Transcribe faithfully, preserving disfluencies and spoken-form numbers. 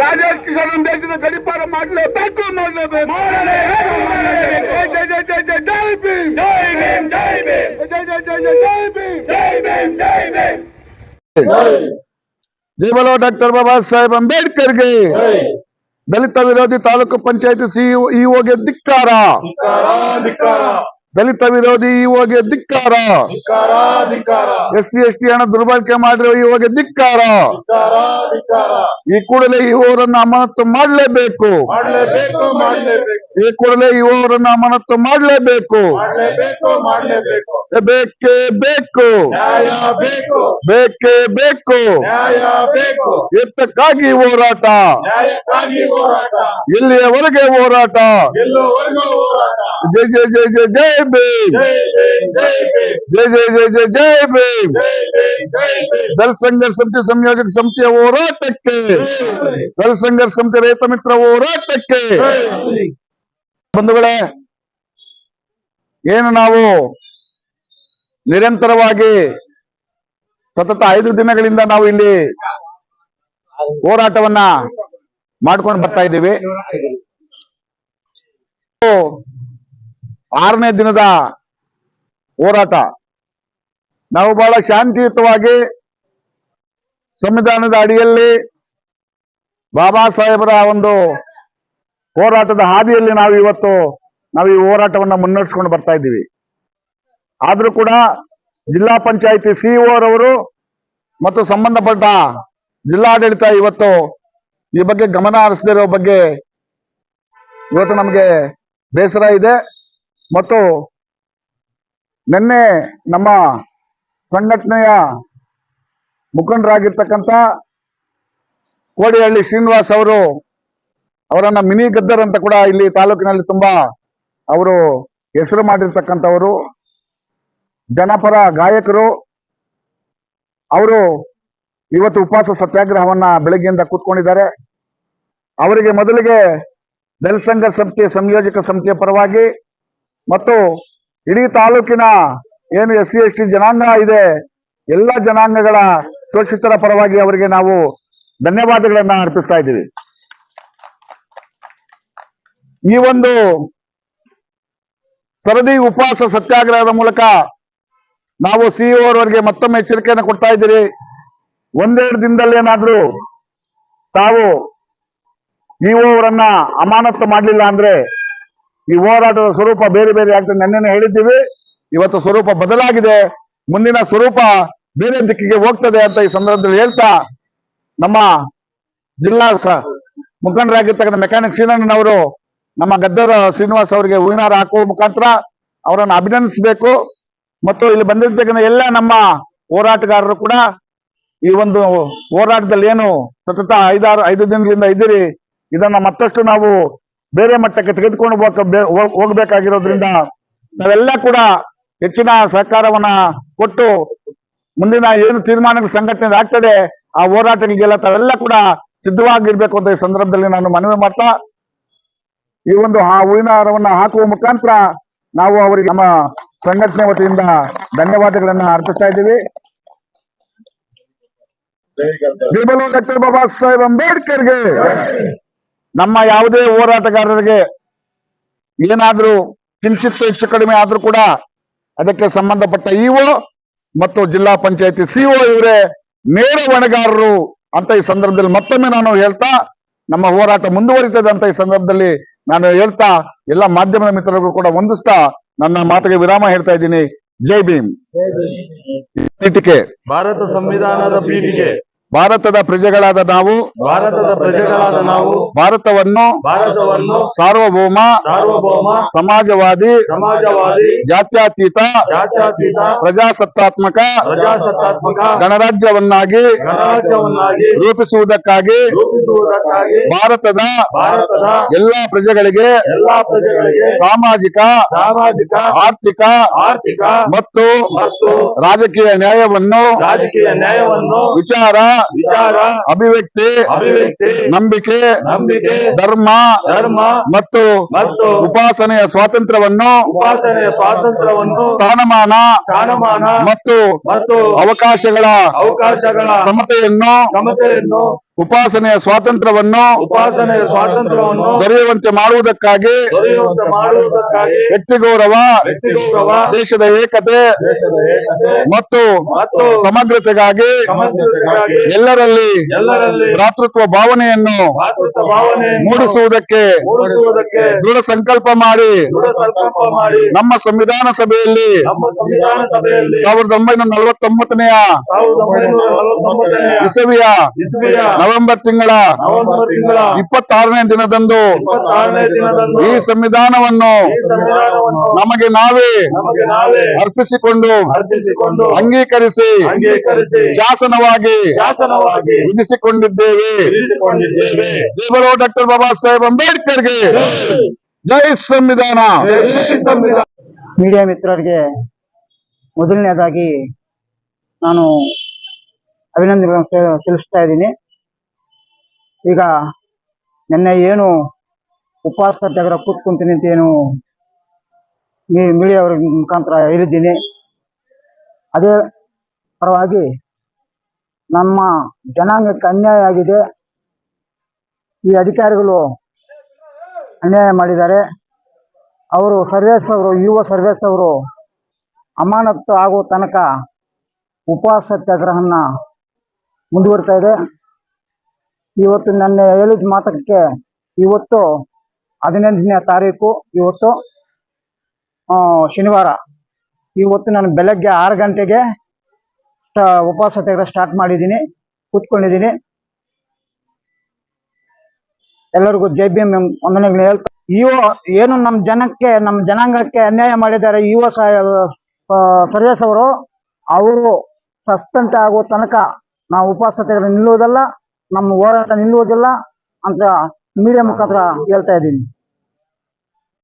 ರಾಜೇಶ್ ಕಿಶನ್ ದೇಶದ ಗಡಿಪಾರ ಮಾಡಲೇಬೇಕು ಮಾಡಲೇಬೇಕು ಜೈ ಜೈ ಜೈ ಜೈ ಜೈ ಭೀಮ್ ಜೈ ಭೀಮ್ ಜೈ ಭೀಮ್ ಜೈ ಜೈ ಜೈ ಜೈ ಜೈ ಭೀಮ್ ಜೈ ಭೀಮ್ ಜೈ ಭೀಮ್ ಜೈ बोलो डॉक्टर बाबा साहेब अंबेडकर ಗೆ दलित विरोधी तालूಕು पंचायत सीईओ ಗೆ ಧಿಕ್ಕಾರ दलित विरोधी इओ ಗೆ ಧಿಕ್ಕಾರ ಎಸ್ಸಿ ಎಸ್ಟಿ ಹಣ ದುರ್ಬಳಕೆ ಮಾಡಿರೋ ಇಒ ಗೆ ಧಿಕ್ಕಾರ ಈ ಕೂಡಲೇ ಇವರನ್ನು ಅಮಾನತು ಮಾಡಲೇಬೇಕು ಈ ಕೂಡಲೇ ಇವರನ್ನು ಅಮಾನತು ಮಾಡಲೇಬೇಕು ಬೇಕೇ ಬೇಕು ಬೇಕೇ ಬೇಕು ಎತ್ತಕ್ಕಾಗಿ ಹೋರಾಟ ಇಲ್ಲಿಯವರೆಗೆ ಹೋರಾಟ ಜೈ ಜೈ ಜೈ ಜೈ ಜೈ भीम जय जय जय जय जय भीम दल संघर्ष समिति संयोजक समितिಯ ಹೋರಾಟಕ್ಕೆ दल संघर्ष समिति ರೈತ ಮಿತ್ರ ಹೋರಾಟಕ್ಕೆ ಬಂಧುಗಳೇ, ಏನು ನಾವು ನಿರಂತರವಾಗಿ ಸತತ ಐದು ದಿನಗಳಿಂದ ನಾವು ಇಲ್ಲಿ ಹೋರಾಟವನ್ನ ಮಾಡ್ಕೊಂಡು ಬರ್ತಾ ಇದ್ದೀವಿ. ಆರನೇ ದಿನದ ಹೋರಾಟ ನಾವು ಬಹಳ ಶಾಂತಿಯುತವಾಗಿ ಸಂವಿಧಾನದ ಅಡಿಯಲ್ಲಿ ಬಾಬಾ ಸಾಹೇಬರ ಒಂದು ಹೋರಾಟದ ಹಾದಿಯಲ್ಲಿ ನಾವು ಇವತ್ತು ನಾವು ಈ ಹೋರಾಟವನ್ನ ಮುನ್ನಡೆಸ್ಕೊಂಡು ಬರ್ತಾ ಇದ್ದೀವಿ. ಆದ್ರೂ ಕೂಡ ಜಿಲ್ಲಾ ಪಂಚಾಯಿತಿ ಸಿಇಒ ರವರು ಮತ್ತು ಸಂಬಂಧಪಟ್ಟ ಜಿಲ್ಲಾಡಳಿತ ಇವತ್ತು ಈ ಬಗ್ಗೆ ಗಮನ ಹರಿಸದಿರೋ ಬಗ್ಗೆ ಇವತ್ತು ನಮಗೆ ಬೇಸರ ಇದೆ. ಮತ್ತು ನಿನ್ನೆ ನಮ್ಮ ಸಂಘಟನೆಯ ಮುಖಂಡರಾಗಿರ್ತಕ್ಕಂಥ ಕೋಡಿಹಳ್ಳಿ ಶ್ರೀನಿವಾಸ್ ಅವರು ಅವರನ್ನ ಮಿನಿ ಗದ್ದರ್ ಅಂತ ಕೂಡ ಇಲ್ಲಿ ತಾಲೂಕಿನಲ್ಲಿ ತುಂಬಾ ಅವರು ಹೆಸರು ಮಾಡಿರ್ತಕ್ಕಂಥವರು, ಜನಪರ ಗಾಯಕರು. ಅವರು ಇವತ್ತು ಉಪವಾಸ ಸತ್ಯಾಗ್ರಹವನ್ನ ಬೆಳಗ್ಗೆಯಿಂದ ಕೂತ್ಕೊಂಡಿದ್ದಾರೆ. ಅವರಿಗೆ ಮೊದಲಿಗೆ ದಲಿತ ಸಂಘರ್ಷ ಸಮಿತಿ ಸಂಯೋಜಕ ಸಮಿತಿಯ ಪರವಾಗಿ ಮತ್ತು ಇಡೀ ತಾಲೂಕಿನ ಏನು ಎಸ್ ಸಿ ಎಸ್ ಟಿ ಜನಾಂಗ ಇದೆ ಎಲ್ಲ ಜನಾಂಗಗಳ ಶೋಷಿತರ ಪರವಾಗಿ ಅವರಿಗೆ ನಾವು ಧನ್ಯವಾದಗಳನ್ನ ಅರ್ಪಿಸ್ತಾ ಇದ್ದೀವಿ. ಈ ಒಂದು ಸರದಿ ಉಪವಾಸ ಸತ್ಯಾಗ್ರಹದ ಮೂಲಕ ನಾವು ಸಿಇಒ ಅವರಿಗೆ ಮತ್ತೊಮ್ಮೆ ಎಚ್ಚರಿಕೆಯನ್ನು ಕೊಡ್ತಾ ಇದ್ದೀರಿ. ಒಂದೆರಡು ದಿನದಲ್ಲಿ ಏನಾದ್ರೂ ತಾವು ಇಒ ಅವರನ್ನ ಅಮಾನತು ಮಾಡಲಿಲ್ಲ ಅಂದ್ರೆ ಈ ಹೋರಾಟದ ಸ್ವರೂಪ ಬೇರೆ ಬೇರೆ ಆಗ್ತದೆ. ನೆನ್ನೆ ಹೇಳಿದ್ದೀವಿ, ಇವತ್ತು ಸ್ವರೂಪ ಬದಲಾಗಿದೆ, ಮುಂದಿನ ಸ್ವರೂಪ ಬೇರೆ ದಿಕ್ಕಿಗೆ ಹೋಗ್ತದೆ ಅಂತ ಈ ಸಂದರ್ಭದಲ್ಲಿ ಹೇಳ್ತಾ ನಮ್ಮ ಜಿಲ್ಲಾ ಮುಖಂಡರಾಗಿರ್ತಕ್ಕಂಥ ಮೆಕ್ಯಾನಿಕ್ ಶ್ರೀನಣ್ಣನವರು ನಮ್ಮ ಗದ್ದರ್ ಶ್ರೀನಿವಾಸ್ ಅವರಿಗೆ ಹೂವಿನಾರ ಹಾಕುವ ಮುಖಾಂತರ ಅವರನ್ನು ಅಭಿನಂದಿಸಬೇಕು. ಮತ್ತು ಇಲ್ಲಿ ಬಂದಿರ್ತಕ್ಕಂಥ ಎಲ್ಲ ನಮ್ಮ ಹೋರಾಟಗಾರರು ಕೂಡ ಈ ಒಂದು ಹೋರಾಟದಲ್ಲಿ ಏನು ಸತತ ಐದಾರು ಐದು ದಿನಗಳಿಂದ ಇದ್ದೀರಿ, ಇದನ್ನ ಮತ್ತಷ್ಟು ನಾವು ಬೇರೆ ಮಟ್ಟಕ್ಕೆ ತೆಗೆದುಕೊಂಡು ಹೋಗ್ಬೇಕಾಗಿರೋದ್ರಿಂದ ನಾವೆಲ್ಲ ಕೂಡ ಹೆಚ್ಚಿನ ಸಹಕಾರವನ್ನ ಕೊಟ್ಟು ಮುಂದಿನ ಏನು ತೀರ್ಮಾನಗಳ ಸಂಘಟನೆ ಆಗ್ತದೆ ಆ ಹೋರಾಟಗಳಿಗೆಲ್ಲ ತಾವೆಲ್ಲ ಕೂಡ ಸಿದ್ಧವಾಗಿರ್ಬೇಕು ಅಂತ ಈ ಸಂದರ್ಭದಲ್ಲಿ ನಾನು ಮನವಿ ಮಾಡ್ತಾ ಈ ಒಂದು ಆ ಹೂವಿನ ಹಾರವನ್ನ ಹಾಕುವ ಮುಖಾಂತರ ನಾವು ಅವರಿಗೆ ನಮ್ಮ ಸಂಘಟನೆ ವತಿಯಿಂದ ಧನ್ಯವಾದಗಳನ್ನ ಅರ್ಪಿಸ್ತಾ ಇದ್ದೀವಿ. ಜೈ ಬೋಲೋ ಡಾಕ್ಟರ್ ಬಾಬಾ ಸಾಹೇಬ್ ಅಂಬೇಡ್ಕರ್ಗೆ. ನಮ್ಮ ಯಾವುದೇ ಹೋರಾಟಗಾರರಿಗೆ ಏನಾದ್ರೂ ಕಿಂಚಿತ್ತು ಹೆಚ್ಚು ಕಡಿಮೆ ಆದ್ರೂ ಕೂಡ ಅದಕ್ಕೆ ಸಂಬಂಧಪಟ್ಟ ಇಒ ಮತ್ತು ಜಿಲ್ಲಾ ಪಂಚಾಯತಿ ಸಿಇಒ ಇವರೇ ನೇರ ಹೊಣೆಗಾರರು ಅಂತ ಈ ಸಂದರ್ಭದಲ್ಲಿ ಮತ್ತೊಮ್ಮೆ ನಾನು ಹೇಳ್ತಾ ನಮ್ಮ ಹೋರಾಟ ಮುಂದುವರಿತದೆ ಅಂತ ಈ ಸಂದರ್ಭದಲ್ಲಿ ನಾನು ಹೇಳ್ತಾ ಎಲ್ಲ ಮಾಧ್ಯಮದ ಮಿತ್ರರಿಗೂ ಕೂಡ ವಂದಿಸ್ತಾ ನನ್ನ ಮಾತಿಗೆ ವಿರಾಮ ಹೇಳ್ತಾ ಇದ್ದೀನಿ. ಜೈ ಭೀಮ್. ಪೀಠಿಕೆ ಭಾರತ ಸಂವಿಧಾನದ ಪೀಠಿಕೆ ಭಾರತದ ಪ್ರಜೆಗಳಾದ ನಾವು ಭಾರತದ ಪ್ರಜೆಗಳಾದ ನಾವು ಭಾರತವನ್ನು ಭಾರತವನ್ನು ಸಾರ್ವಭೌಮ ಸಾರ್ವಭೌಮ ಸಮಾಜವಾದಿ ಸಮಾಜವಾದಿ ಜಾತ್ಯತೀತ ಜಾತ್ಯತೀತ ಪ್ರಜಾಸತ್ತಾತ್ಮಕ ಪ್ರಜಾಸತ್ತಾತ್ಮಕ ಗಣರಾಜ್ಯವನ್ನಾಗಿ ಗಣರಾಜ್ಯವನ್ನಾಗಿ ರೂಪಿಸುವುದಕ್ಕಾಗಿ ರೂಪಿಸುವುದಕ್ಕಾಗಿ ಭಾರತದ ಭಾರತದ ಎಲ್ಲಾ ಪ್ರಜೆಗಳಿಗೆ ಎಲ್ಲಾ ಪ್ರಜೆಗಳಿಗೆ ಸಾಮಾಜಿಕ ಸಾಮಾಜಿಕ ಆರ್ಥಿಕ ಆರ್ಥಿಕ ಮತ್ತು ಮತ್ತು ರಾಜಕೀಯ ನ್ಯಾಯವನ್ನು ರಾಜಕೀಯ ನ್ಯಾಯವನ್ನು ವಿಚಾರ ವಿಚಾರ ಅಭಿವ್ಯಕ್ತಿ ಅಭಿವ್ಯಕ್ತಿ ನಂಬಿಕೆ ನಂಬಿಕೆ ಧರ್ಮ ಧರ್ಮ ಮತ್ತು ಮತ್ತು ಉಪಾಸನೆಯ ಸ್ವಾತಂತ್ರ್ಯವನ್ನು ಉಪಾಸನೆಯ ಸ್ವಾತಂತ್ರ್ಯವನ್ನು ಸ್ಥಾನಮಾನ ಸ್ಥಾನಮಾನ ಮತ್ತು ಮತ್ತು ಅವಕಾಶಗಳ ಅವಕಾಶಗಳ ಸಮತೆಯನ್ನು ಸಮತೆಯನ್ನು ಉಪಾಸನೆಯ ಸ್ವಾತಂತ್ರ್ಯವನ್ನು ಉಪಾಸನೆಯ ಸ್ವಾತಂತ್ರ್ಯವನ್ನು ದೊರೆಯುವಂತೆ ಮಾಡುವುದಕ್ಕಾಗಿ ದೊರೆಯುವಂತೆ ಮಾಡುವುದಕ್ಕಾಗಿ ವ್ಯಕ್ತಿ ಗೌರವ, ವ್ಯಕ್ತಿ ಗೌರವ, ದೇಶದ ಏಕತೆ ದೇಶದ ಏಕತೆ ಮತ್ತು ಮತ್ತು ಸಮಗ್ರತೆಗಾಗಿ ಸಮಗ್ರತೆಗಾಗಿ ಎಲ್ಲರಲ್ಲಿ ಎಲ್ಲರಲ್ಲಿ ಭ್ರಾತೃತ್ವ ಭಾವನೆಯನ್ನು ಮಾತೃತ್ವ ಭಾವನೆಯನ್ನು ಮೂಡಿಸುವುದಕ್ಕೆ ಮೂಡಿಸುವುದಕ್ಕೆ ದೃಢ ಸಂಕಲ್ಪ ಮಾಡಿ ದೃಢ ಸಂಕಲ್ಪ ಮಾಡಿ ನಮ್ಮ ಸಂವಿಧಾನ ಸಭೆಯಲ್ಲಿ ನಮ್ಮ ಸಂವಿಧಾನ ಸಭೆಯಲ್ಲಿ ಸಾವಿರದ ಒಂಬೈನೂರ ನಲವತ್ತೊಂಬತ್ತನೆಯ ಸಾವಿರದ ಒಂಬೈನೂರ ನಲವತ್ತೊಂಬತ್ತನೆಯ ಇಸವಿಯ ಇಸ್ವಿಯ ನವೆಂಬರ್ ತಿಂಗಳ ನವೆಂಬರ್ ತಿಂಗಳ ಇಪ್ಪತ್ತಾರನೇ ದಿನದಂದು ಇಪ್ಪತ್ತಾರನೇ ದಿನದಂದು ಈ ಸಂವಿಧಾನವನ್ನು ಈ ಸಂವಿಧಾನವನ್ನು ನಮಗೆ ನಾವೇ ನಮಗೆ ನಾವೇ ಅರ್ಪಿಸಿಕೊಂಡು ಅರ್ಪಿಸಿಕೊಂಡು ಅಂಗೀಕರಿಸಿ ಅಂಗೀಕರಿಸಿ ಶಾಸನವಾಗಿ ಶಾಸನವಾಗಿ ವಿಧಿಸಿಕೊಂಡಿದ್ದೇವೆ. ತಿಳಿಸಿಕೊಂಡಿದ್ದೇವೆ. ದೇವರು ಡಾಕ್ಟರ್ ಬಾಬಾ ಸಾಹೇಬ್ ಅಂಬೇಡ್ಕರ್ಗೆ ಜೈ ಸಂವಿಧಾನ. ಜೈ ಸಂವಿಧಾನ. ಮೀಡಿಯಾ ಮಿತ್ರರಿಗೆ ಮೊದಲನೇದಾಗಿ ನಾನು ಅಭಿನಂದನೆಗಳನ್ನು ತೆ- ತಿಳಿಸ್ತಾ ಇದ್ದೀನಿ. ಈಗ ನಿನ್ನೆ ಏನು ಉಪವಾಸ ಸತ್ಯಾಗ್ರಹ ಕೂತ್ಕೊಂತೀನಿ ಅಂತ ಏನು ಮೀ- ಮೀಡಿಯಾ ಅವ್ರ ಮುಖಾಂತರ ಹೇಳಿದ್ದೀನಿ, ಅದೇ ಪರವಾಗಿ ನಮ್ಮ ಜನಾಂಗಕ್ಕೆ ಅನ್ಯಾಯ ಆಗಿದೆ. ಈ ಅಧಿಕಾರಿಗಳು ಅನ್ಯಾಯ ಮಾಡಿದ್ದಾರೆ. ಅವರು ಸರ್ವೇಸ್ ಅವರು ಯುವ ಸರ್ವೇಸ್ ಅವರು ಅಮಾನತು ಆಗುವ ತನಕ ಉಪವಾಸ ಸತ್ಯಾಗ್ರಹನ ಮುಂದುವರಿತಾ ಇದೆ. ಇವತ್ತು ನನ್ನ ಹೇಳಿದ ಮಾತಕ್ಕೆ ಇವತ್ತು ಹದಿನೆಂಟನೇ ತಾರೀಕು, ಇವತ್ತು ಆ, ಶನಿವಾರ. ಇವತ್ತು ನಾನು ಬೆಳಗ್ಗೆ ಆರು ಗಂಟೆಗೆ ಸ್ಟ- ಉಪವಾಸ ಸತ್ಯಾಗ್ರಹ ಸ್ಟಾರ್ಟ್ ಮಾಡಿದ್ದೀನಿ, ಕೂತ್ಕೊಂಡಿದ್ದೀನಿ. ಎಲ್ಲರಿಗೂ ಜೈ ಭೀಮ್ ವಂದನೆಗಳು ಹೇಳ್ತಾ, ಯುವ ಏನು ನಮ್ಮ ಜನಕ್ಕೆ ನಮ್ಮ ಜನಾಂಗಕ್ಕೆ ಅನ್ಯಾಯ ಮಾಡಿದ್ದಾರೆ ಯುವ ಸರ್ವೇಸ್ ಅವರು, ಅವರು ಸಸ್ಪೆಂಡ್ ಆಗುವ ತನಕ ನಾವು ಉಪವಾಸ ಸತ್ಯಾಗ್ರಹ ನಿಲ್ಲುವುದಿಲ್ಲ, ನಮ್ಮ ಹೋರಾಟ ನಿಲ್ಲುವುದಿಲ್ಲ ಅಂತ ಮೀಡಿಯಾ ಮುಖಾಂತರ ಹೇಳ್ತಾ ಇದ್ದೀನಿ.